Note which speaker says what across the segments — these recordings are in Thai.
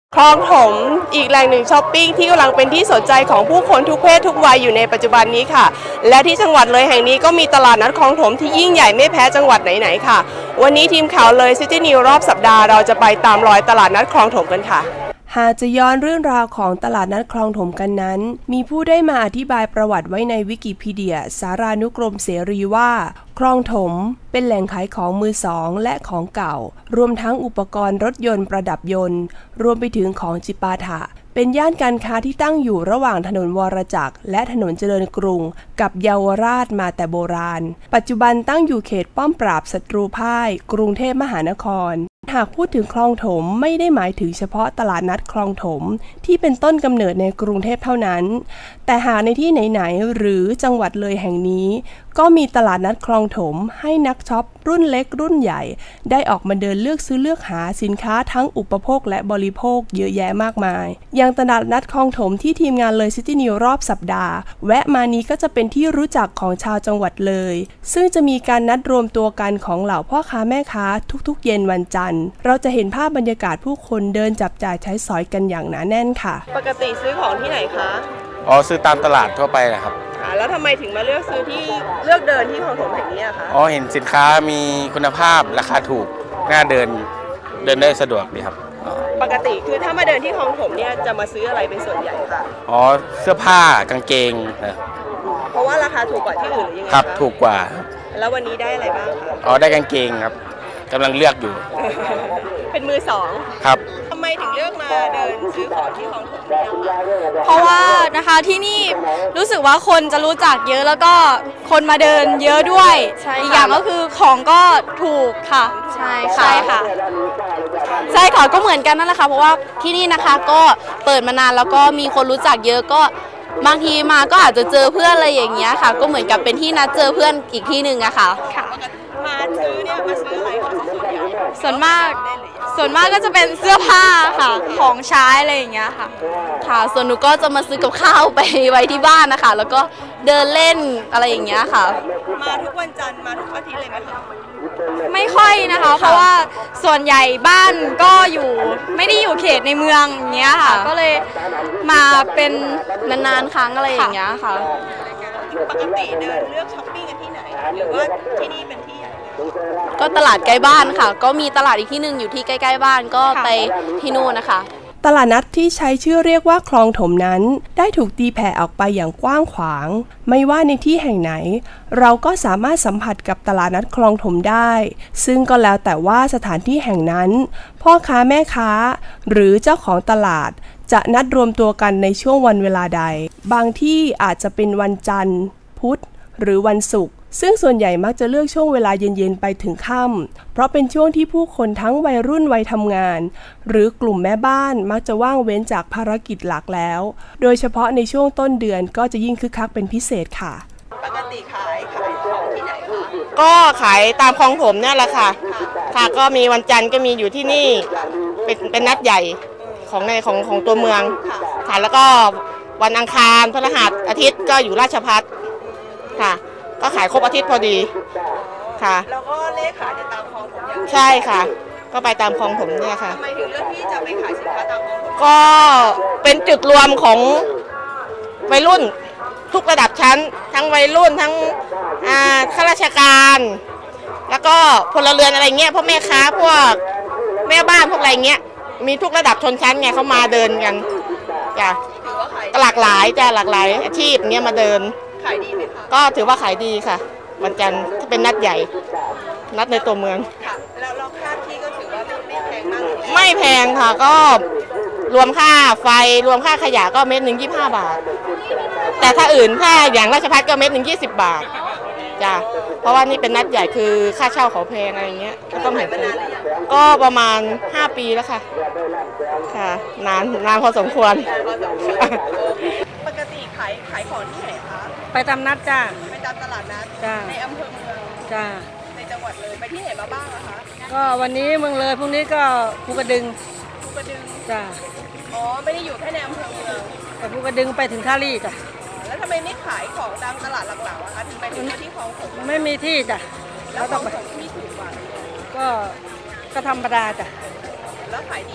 Speaker 1: คลองถมอีกแหล่งหนึ่งช้อปปิ้งที่กำลังเป็นที่สนใจของผู้คนทุกเพศทุกวัยอยู่ในปัจจุบันนี้ค่ะและที่จังหวัดเลยแห่งนี้ก็มีตลาดนัดคลองถมที่ยิ่งใหญ่ไม่แพ้จังหวัดไหนๆค่ะวันนี้ทีมข่าวเลยซิตี้นิวรอบสัปดาห์เราจะไปตามรอยตลาดนัดคลองถมกันค่ะหากจะย้อนเรื่องราวของตลาดนัดคลองถมกันนั้นมีผู้ได้มาอธิบายประวัติไว้ในวิกิพีเดียสารานุกรมเสรีว่าคลองถมเป็นแหล่งขายของมือสองและของเก่ารวมทั้งอุปกรณ์รถยนต์ประดับยนต์รวมไปถึงของจิปาถะเป็นย่านการค้าที่ตั้งอยู่ระหว่างถนนวรจักรและถนนเจริญกรุงกับเยาวราชมาแต่โบราณปัจจุบันตั้งอยู่เขตป้อมปราบศัตรูพ่ายกรุงเทพมหานครหากพูดถึงคลองถมไม่ได้หมายถึงเฉพาะตลาดนัดคลองถมที่เป็นต้นกำเนิดในกรุงเทพเท่านั้นแต่หากในที่ไหนๆหรือจังหวัดเลยแห่งนี้ก็มีตลาดนัดคลองถมให้นักช็อปรุ่นเล็กรุ่นใหญ่ได้ออกมาเดินเลือกซื้อเลือกหาสินค้าทั้งอุปโภคและบริโภคเยอะแยะมากมายอย่างตลาดนัดคลองถมที่ทีมงานเลยซิตี้นิวรอบสัปดาห์แวะมานี้ก็จะเป็นที่รู้จักของชาวจังหวัดเลยซึ่งจะมีการนัดรวมตัวกันของเหล่าพ่อค้าแม่ค้าทุกๆเย็นวันจันทร์เราจะเห็นภาพบรรยากาศผู้คนเดินจับจ่ายใช้สอยกันอย่างหนาแน่นค่ะปกติซื้อของที่ไหนคะ
Speaker 2: ซื้อตามตลาดทั่วไปนะครับ
Speaker 1: แล้วทำไมถึงมาเลือกซื้อที่เลือกเดินที่คลองถมแห่งนี้คะ
Speaker 2: เห็นสินค้ามีคุณภาพราคาถูกน่าเดินได้สะดวกดีครับ
Speaker 1: ปกติคือถ้ามาเดินที่คลองถมเนี่ยจะมาซื้ออะไรเป็นส่วนใหญ่คะ
Speaker 2: เสื้อผ้ากางเกงนะ
Speaker 1: เพราะว่าราคาถูกกว่าที่อื่นหรือยังไง
Speaker 2: ครับถูกกว่า
Speaker 1: แล้ววันนี้ได้อะไรบ้างคะ
Speaker 2: ได้กางเกงครับกำลังเลือกอยู่
Speaker 1: เป็นมือสอง
Speaker 2: ครับ
Speaker 1: ทำไมถึงเลือกมาเดินซื้อของที่คลองถมเนี่ย
Speaker 3: เพราะว่านะคะที่นี่รู้สึกว่าคนจะรู้จักเยอะแล้วก็คนมาเดินเยอะด้วยอีกอย่างก็คือของก็ถูกค่ะใช่ค่ะใช่ค่ะก็เหมือนกันนั่นแหละค่ะเพราะว่าที่นี่นะคะก็เปิดมานานแล้วก็มีคนรู้จักเยอะก็บางทีมาก็อาจจะเจอเพื่อนอะไรอย่างเงี้ยค่ะก็เหมือนกับเป็นที่นัดเจอเพื่อนอีกที่หนึ่งอะค่ะ
Speaker 1: มาซื้อเนี่ยมาซื้ออะไรคะ
Speaker 3: ส่วนมากก็จะเป็นเสื้อผ้าค่ะของใช้อะไรอย่างเงี้ยค่ะส่วนหนูก็จะมาซื้อกับข้าวไปไว้ที่บ้านนะคะแล้วก็เดินเล่นอะไรอย่างเงี้ยค่ะ
Speaker 1: มาทุกวันจันทร์มาทุกอาทิตย์เลยไหมคะ
Speaker 3: ไม่ค่อยนะคะเพราะว่าส่วนใหญ่บ้านก็ไม่ได้อยู่เขตในเมืองอย่างเงี้ยค่ะก็เลยมาเป็นนานๆครั้งอะไรอย่างเงี้ยค่ะ
Speaker 1: ปกติเดินเลือกช้อปปิ้งกันที่ไหนหรือว่าที่นี่เป็นที่ใหญ่
Speaker 3: ก็ตลาดใกล้บ้านค่ะก็มีตลาดอีกที่หนึ่งอยู่ที่ใกล้ๆบ้านก็ไปที่นู่นนะคะ
Speaker 1: ตลาดนัดที่ใช้ชื่อเรียกว่าคลองถมนั้นได้ถูกตีแผ่ออกไปอย่างกว้างขวางไม่ว่าในที่แห่งไหนเราก็สามารถสัมผัสกับตลาดนัดคลองถมได้ซึ่งก็แล้วแต่ว่าสถานที่แห่งนั้นพ่อค้าแม่ค้าหรือเจ้าของตลาดจะนัดรวมตัวกันในช่วงวันเวลาใดบางที่อาจจะเป็นวันจันทร์พุธหรือวันศุกร์ซึ่งส่วนใหญ่มักจะเลือกช่วงเวลาเย็นๆไปถึงค่ำเพราะเป็นช่วงที่ผู้คนทั้งวัยรุ่นวัยทำงานหรือกลุ่มแม่บ้านมักจะว่างเว้นจากภารกิจหลักแล้วโดยเฉพาะในช่วงต้นเดือนก็จะยิ่งคึกคักเป็นพิเศษค่ะปกติขายของที่ไหนคะ
Speaker 4: ก็ขายตามคลองถมเนี่ยแหละค่ะก็มีวันจันทร์ก็มีอยู่ที่นี่เป็นนัดใหญ่ของตัวเมืองค่ะแล้วก็วันอังคารพฤหัสอาทิตย์ก็อยู่ราชภัฏค่ะก็ขายครบอาทิตย์พอดีค่ะ
Speaker 1: แล้วก็เลขขายตามคลองถม
Speaker 4: ใช่ค่ะก็ไปตามคลองถมเนี่ยค่ะ
Speaker 1: ทำไมถึงเลือกที่จะไปขายสินค้าตามคลองถม
Speaker 4: ก็เป็นจุดรวมของวัยรุ่นทุกระดับชั้นทั้งวัยรุ่นทั้งข้าราชการแล้วก็พลเรือนอะไรเงี้ยพวกแม่ค้าพวกแม่บ้านพวกอะไรเงี้ยมีทุกระดับชนชั้นไงเขามาเดินกันจ้ะหลากหลายอาชีพเนี้ยมาเดิน
Speaker 1: ขายดีไหมคะ
Speaker 4: ก็ถือว่าขายดีค่ะวันจันทร์เป็นนัดใหญ่นัดในตัวเมือง
Speaker 1: ค่ะแล้วค่าที่ก็ถือว่าไม่แพงมาก
Speaker 4: ไม่แพงค่ะก็รวมค่าไฟรวมค่าขยะก็เม็ดหนึ่ง25 บาทแต่ถ้าอื่นถ้าอย่างราชภัฏก็เม็ดหนึ่ง20 บาทจ้ะเพราะว่านี่เป็นนัดใหญ่คือค่าเช่าเขาแพงอะไรเงี้ยก็ต้องเห็นก็ประมาณ5 ปีแล้วค่ะนานพอสมควร
Speaker 1: ปกติขายของที่ไหนคะ
Speaker 5: ไปตามนัดจ้า
Speaker 1: ไปตามตลาดนัดในอำเภอเมือง
Speaker 5: จ้า
Speaker 1: ในจังหวัดเลยไปที่ไหนมาบ้างคะ
Speaker 5: ก็วันนี้เมืองเลยพรุ่งนี้ก็ภูกระดึงจ้า
Speaker 1: ไม่ได้อยู่แค่ในอำเภอเมือง
Speaker 5: แต่ภูกระดึงไปถึงท่าลี่จ้ะ
Speaker 1: แล้วทำไมไม่ขายของตามตลาดหลักๆคะถึงไปถึงที่คลองถม
Speaker 5: ไม่มีที่จ้ะ
Speaker 1: แล้วคลองถมที่ถูกกว่า
Speaker 5: ก็ธรรมดาจ้ะ
Speaker 1: แล้วขายดีไหมคะ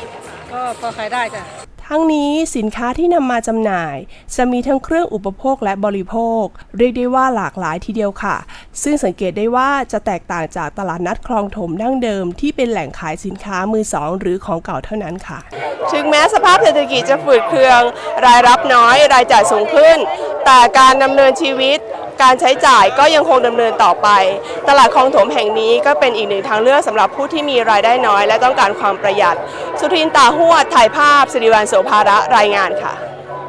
Speaker 5: ก็พอขายได้จ้ะ
Speaker 1: ทั้งนี้สินค้าที่นำมาจำหน่ายจะมีทั้งเครื่องอุปโภคและบริโภคเรียกได้ว่าหลากหลายทีเดียวค่ะซึ่งสังเกตได้ว่าจะแตกต่างจากตลาดนัดคลองถมดั้งเดิมที่เป็นแหล่งขายสินค้ามือสองหรือของเก่าเท่านั้นค่ะถึงแม้สภาพเศรษฐกิจจะฝืดเคืองรายรับน้อยรายจ่ายสูงขึ้นแต่การดำเนินชีวิตการใช้จ่ายก็ยังคงดำเนินต่อไปตลาดคลองถมแห่งนี้ก็เป็นอีกหนึ่งทางเลือกสำหรับผู้ที่มีรายได้น้อยและต้องการความประหยัดสุทิน ตาหวดถ่ายภาพสิริวัลย์ โสภาระรายงานค่ะ